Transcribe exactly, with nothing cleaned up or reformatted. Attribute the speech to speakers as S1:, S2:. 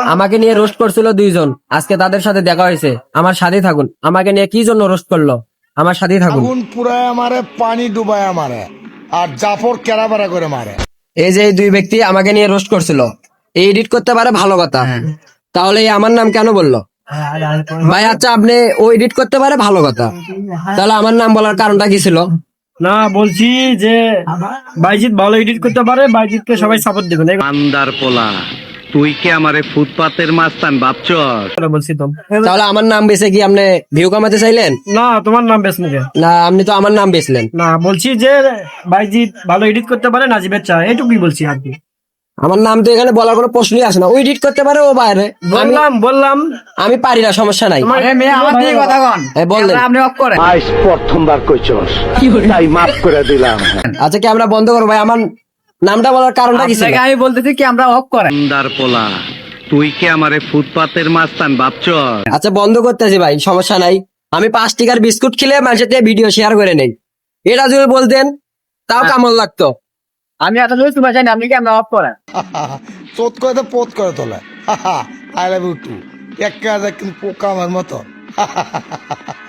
S1: আমাকে নিয়ে রোস্ট করছিল দুইজন, আজকে তাদের সাথে দেখা হয়েছে। আমার সাথেই থাকুন। আমাকে নিয়ে কি জন্য রোস্ট করলো, আমার সাথেই থাকুন।
S2: আগুন পুরায় আমারে, পানি ডুবায় আমারে, আর জাফর কেরাবেরা করে মারে।
S1: এই যে এই দুই ব্যক্তি আমাকে নিয়ে রোস্ট করছিল, এই এডিট করতে পারে ভালো কথা, তাহলে এই আমার নাম কেন বললো ভাই? আচ্ছা, আপনি ও এডিট করতে পারে ভালো কথা, তাহলে আমার নাম বলার কারণটা কি ছিল?
S3: না, বলছি যে বাইজিৎ ভালো এডিট করতে পারে, বাইজিৎকে সবাই সাপোর্ট দিবেন, এই
S4: আন্দার পোলা, তুই কি আমারে ফুটপাতের মাস্তান ভাবছস?
S3: কথা বলছি তো।
S1: তাহলে আমার নাম বেছে কি আপনি ভিউ কামাতে চাইলেন?
S3: না, তোমার নাম বেশ মুখে
S1: না, আপনি তো আমার নাম বেচলেন।
S3: না, বলছি যে বাইজিৎ ভালো এডিট করতে পারে, নাজিবের চা, এইটুকুই বলছি আর কি।
S1: আমার নাম তো এখানে বলার কোনো প্রশ্নই আসে না। ও এডিট করতে পারে, ও বাইরে, আমি
S3: বললাম বললাম
S1: আমি পারি না, সমস্যা নাই। এই বললেন।
S4: আজ প্রথমবার কইছস, তাই মাফ করে দিলাম।
S1: আচ্ছা, কি আমরা বন্ধ করবো ভাই? আমার নামটা বলার কারণটা কি ছিল?
S5: আমি বলতেছি কি আমরা অফ করেন।
S4: আন্দার পোলা, তুই কি আমারে ফুটপাতের মাস্তান ভাবছস?
S1: আচ্ছা, বন্ধ করতেছি ভাই, সমস্যা নাই। আমি পাঁচ টিকার বিস্কুট খেলে মানুষের থেকে ভিডিও শেয়ার করে নেই, এটা যদি বলতেন তাও কেমন লাগতো।
S5: আমি এত জোর তোমার জানি আপনি কি আমরা অফ করেন।
S2: চোদ করে তো পোত করে তোলে। I love you too. এক কাজ কিন্তু পোকা আমার মতো।